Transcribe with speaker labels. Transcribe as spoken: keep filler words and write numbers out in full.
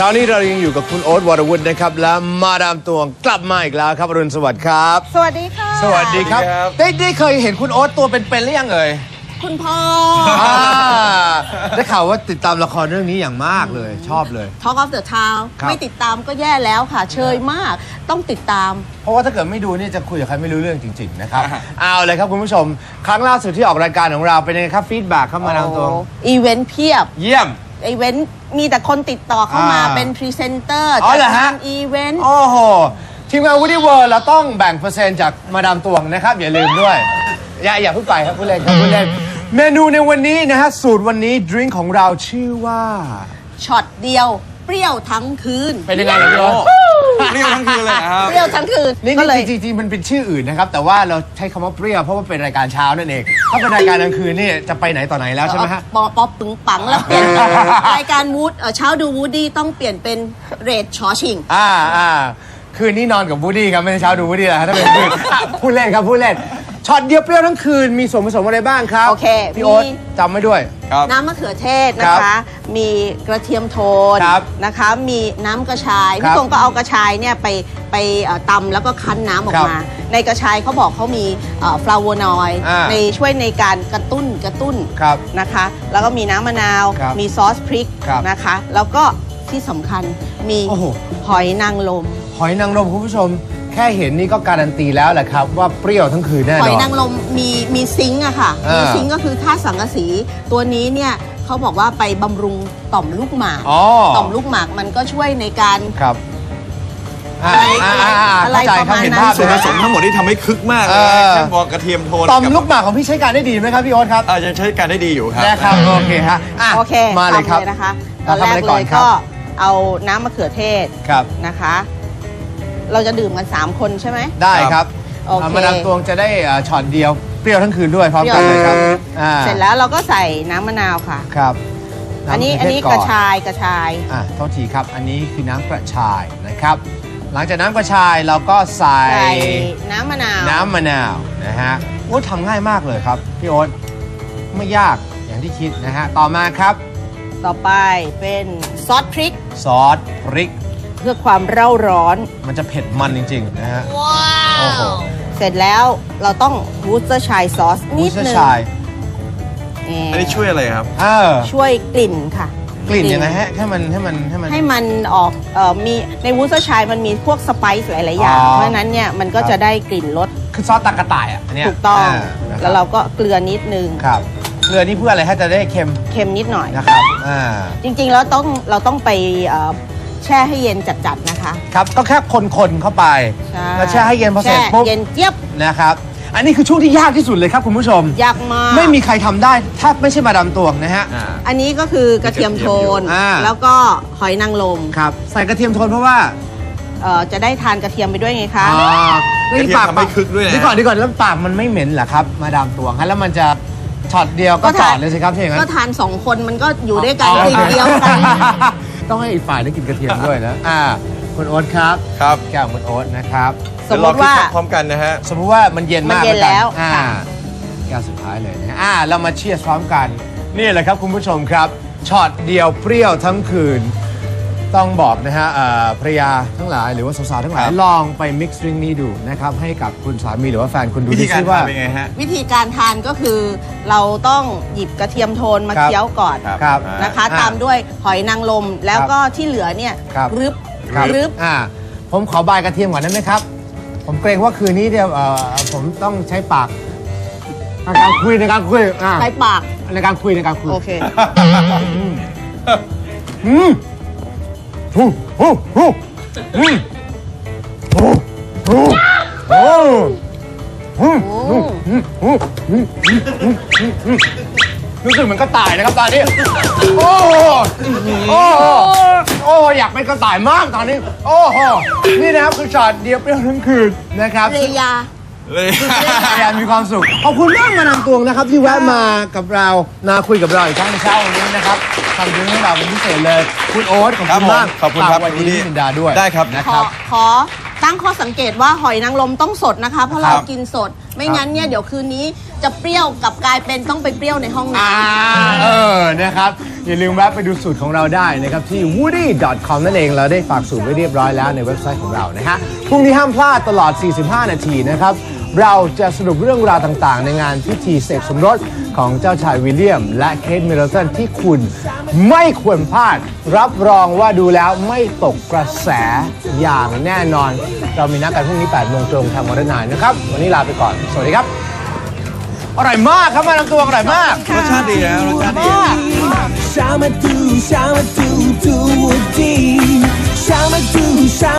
Speaker 1: ช้านี้เรายังอยู่กับคุณโอ๊ตวรวุฒินะครับและมาดามตวงกลับมาอีกแล้วครับอรุณสวัสดิ์ครับ
Speaker 2: สวัสดีค่ะ
Speaker 1: สวัสดีครับได้ได้เคยเห็นคุณโอ๊ตตัวเป็นๆหรือยังเอ่ย
Speaker 2: คุณพ่อ
Speaker 1: ได้ข่าวว่าติดตามละครเรื่องนี้อย่างมากเลยชอบเลย
Speaker 2: Talk of the Town ไม่ติดตามก็แย่แล้วค่ะเชยมากต้องติดตาม
Speaker 1: เพราะว่าถ้าเกิดไม่ดูนี่จะคุยกับใครไม่รู้เรื่องจริงๆนะครับเอาเลยครับคุณผู้ชมครั้งล่าสุดที่ออกรายการของเราเป็นยังไงครับฟีดแบ็กเข้ามาดามตวง
Speaker 2: อีเวนต์เพียบ
Speaker 1: เยี่ยม
Speaker 2: อีเวนต์มีแต่คนติดต่อเข้ามาเป็นพรีเซนเตอร์
Speaker 1: จัด
Speaker 2: งานอีเวนต์
Speaker 1: โอ้โหทีมงาน Woody World เราต้องแบ่งเปอร์เซ็นต์จากมาดามตวงนะครับอย่าลืมด้วยอย่าอย่าเพิ่งไปครับผู้เล่นครับผู้เล่นเมนูในวันนี้นะฮะสูตรวันนี้ดริงก์ของเราชื่อว่า
Speaker 2: ช็อตเดียวเปรี้ยวทั้งคืน
Speaker 1: เป็นยังไงล่ะพี่โอ๊ต
Speaker 3: เปรี้ยวทั้งคืนเลยครับ
Speaker 2: เปรี้ยวทั้งคืน
Speaker 1: นี่เลยจริงๆมันเป็นชื่ออื่นนะครับแต่ว่าเราใช้คำว่าเปรี้ยวเพราะว่าเป็นรายการเช้านั่นเองถ้าเป็นรายการกลางคืนนี่จะไปไหนต่อไหนแล้วใช่ไหมฮะ
Speaker 2: ปอป๊อปปึงปังแล้วเปลี่ยนรายการวูดเช้าดูวูดดี้ต้องเปลี่ยนเป็นเรดชอชิง
Speaker 1: อ่าอ่าคืนนี้นอนกับวูดดี้ครับไม่ใช่เช้าดูวูดดี้แล้วถ้าเป็นคืนพูดเล่นครับพูดเล่นช็อตเดียวเปรี้ยวทั้งคืนมีส่วนผสมอะไรบ้างครับ
Speaker 2: โอเค
Speaker 1: พี่โอ๊ตจำไว้ด้วย
Speaker 2: น้ำมะเขือเทศนะคะมีกระเทียมโทนนะคะมีน้ำกระชายพี่ตรงก็เอากระชายเนี่ยไปไปตำแล้วก็คั้นน้ำออกมาในกระชายเขาบอกเขามีฟลาโวนอยด์ในช่วยในการกระตุ้นกระตุ้นนะคะแล้วก็มีน้ำมะนาวมีซอสพริกนะคะแล้วก็ที่สำคัญมีหอยนางรม
Speaker 1: หอยนางรมคุณผู้ชมแค่เห็นนี่ก็การันตีแล้วแหละครับว่าเปรี้ยวทั้งคืนแน่นอน
Speaker 2: หอยนางรมมีมีซิงค์อะค่ะมีซิงค์ก็คือธาตุสังกะสีตัวนี้เนี่ยเขาบอกว่าไปบำรุงต่อมลูกหมากต่อมลูกหมากมันก็ช่วยในการ
Speaker 1: ครับ
Speaker 2: อะไรอะไรประมาณนั้น
Speaker 3: ส่วนผสมทั้งหมดที่ทำให้คึกมากเลยแค่บอกกระเทียมโทน
Speaker 1: ต่อมลูกหมากของพี่ใช้การได้ดีไหมครับพี่โอ๊ตครับ
Speaker 3: ยังใช้การได้ดีอยู่ครับ
Speaker 1: นะครับโอเคฮะ
Speaker 2: โอเค
Speaker 1: มาเลยครับ
Speaker 2: นะคะตอนแรกเลยก็เอาน้ำมะเขือเทศนะคะเราจะดื่มกันสามคนใช่ไหม
Speaker 1: ได้ครับมาดามตวงจะได้ช็อตเดียวเปรี้ยวทั้งคืนด้วยพร้อมกันเลยครับ
Speaker 2: เสร็จแล้วเราก็ใส่น้ำมะนาวค่ะ
Speaker 1: ครับ
Speaker 2: อันนี้อันนี้กระชายกระชาย
Speaker 1: อ่ะโทษทีครับอันนี้คือน้ำกระชายนะครับหลังจากน้ำกระชายเราก็ใส่
Speaker 2: น้ำมะนาว
Speaker 1: น้ำมะนาวนะฮะโอ้ทำง่ายมากเลยครับพี่โอ๊ตไม่ยากอย่างที่คิดนะฮะต่อมาครับ
Speaker 2: ต่อไปเป็นซอสพริก
Speaker 1: ซอสพริก
Speaker 2: เพื่อความเร่าร้อน
Speaker 1: มันจะเผ็ดมันจริงๆนะฮะ
Speaker 2: ว้าวเสร็จแล้วเราต้องวูสเตอร์ชัยซอสนิดนึง
Speaker 3: อันนี้ช่วยอะไรครับ
Speaker 2: ช่วยกลิ่นค่ะ
Speaker 1: กลิ่นยังไงฮะให้มันให้มันให้มัน
Speaker 2: ให้มันออกเอ่อมีในวูสเตอร์ชัยมันมีพวกสไปซ์หลายๆอย่างเพราะฉะนั้นเนี่ยมันก็จะได้กลิ่นรส
Speaker 1: คือซอสตะกะต่ายอ่ะอันนี้
Speaker 2: ถูกต้องแล้วเราก็เกลือนิดนึง
Speaker 1: ครับเกลือนี่เพื่ออะไรให้จะได้เค็ม
Speaker 2: เค็มนิดหน่อย
Speaker 1: นะครับอ่า
Speaker 2: จริงๆแล้วต้องเราต้องไปแช่ให้เย็นจัดๆนะคะ
Speaker 1: ครับก็แค่คนๆเข้าไปแล้วแช่ให้เย็นพอเสร็จปุ๊บ
Speaker 2: เย็นเจี๊ยบ
Speaker 1: นะครับอันนี้คือช่วงที่ยากที่สุดเลยครับคุณผู้ชม
Speaker 2: ยากมาก
Speaker 1: ไม่มีใครทำได้ถ้าไม่ใช่มาดามตวงนะฮะ
Speaker 2: อันนี้ก็คือกระเทียมโทนแล้วก็หอยนางรม
Speaker 1: ครับใส่กระเทียมโทนเพราะว่า
Speaker 2: เอ่อจะได้ทานกระเทียมไปด้วยไงคะ
Speaker 1: อ๋อ
Speaker 3: นี่ปากไม่คึกด้วยนะ
Speaker 1: ดีก่อนดีก่อนแล้วปากมันไม่เหม็นเหรอครับมาดามตวงฮะแล้วมันจะช็อตเดียวก็จอดเลยสิครับที่อย่างนั้น
Speaker 2: ก็ทานสองคนมันก็อยู่ด้วยกันทีเดียวกัน
Speaker 1: ต้องให้อีกฝ่ายได้กินกระเทียมด้วยนะอ่าคุณโอ๊ตครับ
Speaker 3: ครับ
Speaker 1: แก้วคุณโอ๊ตนะครับ
Speaker 2: สมมติว่า
Speaker 3: พร้อมกันนะฮะ
Speaker 1: สมมติว่ามันเย็นมาก
Speaker 2: แล้ว
Speaker 1: อ่าแก้วสุดท้ายเลยนะอ่าเรามาเชียร์พร้อมกันนี่แหละครับคุณผู้ชมครับช็อตเดียวเปรี้ยวทั้งคืนต้องบอกนะฮะภรรยาทั้งหลายหรือว่าสาวๆทั้งหลายลองไปมิกซ์ดริงก์นี้ดูนะครับให้กับคุณสามีหรือว่าแฟนคุณดู
Speaker 3: วิธีการทานเป็นไงฮะ
Speaker 2: วิธีการทานก็คือเราต้องหยิบกระเทียมโทนมาเคี้ยวก่อนนะคะตามด้วยหอยนางรมแล้วก็ที่เหลือเนี่ยรึบรึบ
Speaker 1: อ่าผมขอบายกระเทียมก่อนได้ไหมครับผมเกรงว่าคืนนี้เดี๋ยวผมต้องใช้ปากในการคุยในการคุย
Speaker 2: ใช้ปาก
Speaker 1: ในการคุยในการคุย
Speaker 2: โอเค
Speaker 1: อืมโอ้โหโอ้โหโอ้โหโอ้โหรู้สึกเหมือนกระต่ายนะครับตอนนี้โอ้โหโอ้โหโอ้อยากเป็นกระต่ายมากตอนนี้โอ้โหนี่นะครับคือช็อตเดียวเปรี้ยวทั้งคืนนะครับ
Speaker 2: เรียา
Speaker 3: เลย
Speaker 1: อยากมีความสุขขอบคุณมากมานำตวงนะครับที่แวะมากับเรามาคุยกับเราอีกครั้งในเช้าวันนี้นะครับทำเรื่องให้เราเป็นพิเศษเลยคุณโอ๊ตขอบคุณมาก
Speaker 3: ขอบคุณครับ
Speaker 1: วันนี้มินดาด้วย
Speaker 3: ได้ครับ
Speaker 1: นะครับ
Speaker 2: ขอตั้งข้อสังเกตว่าหอยนางรมต้องสดนะคะเพราะเรากินสดไม่งั้นเนี่ยเดี๋ยวคืนนี้จะเปรี้ยวกลับกลายเป็นต้องไปเปรี้ยวในห้องน้
Speaker 1: อ่าเออนะครับอย่าลืมแวะไปดูสูตรของเราได้นะครับที่ วูดดี้ ดอท คอม นั่นเองเราได้ฝากสูตรไว้เรียบร้อยแล้วในเว็บไซต์ของเรานะฮะพรุ่งนี้ห้ามพลาดตลอด สี่สิบห้า นาทีนะครับเราจะสรุปเรื่องราวต่างๆ ในงานพิธีเสกสมรสของเจ้าชายวิลเลียม และเคทมิดเดิลตันที่คุณไม่ควรพลาดรับรองว่าดูแล้วไม่ตกกระแสอย่างแน่นอน เรามีนัดกันพรุ่งนี้ แปดโมงตรงทางวันนายนะครับวันนี้ลาไปก่อนสวัสดีครับอร่อยมากครับมาน้ำตัวอร่อยมาก
Speaker 3: รสชาติดีนะรสชาติดี
Speaker 4: Shama do, shama do, do a dee. Shama do, shama.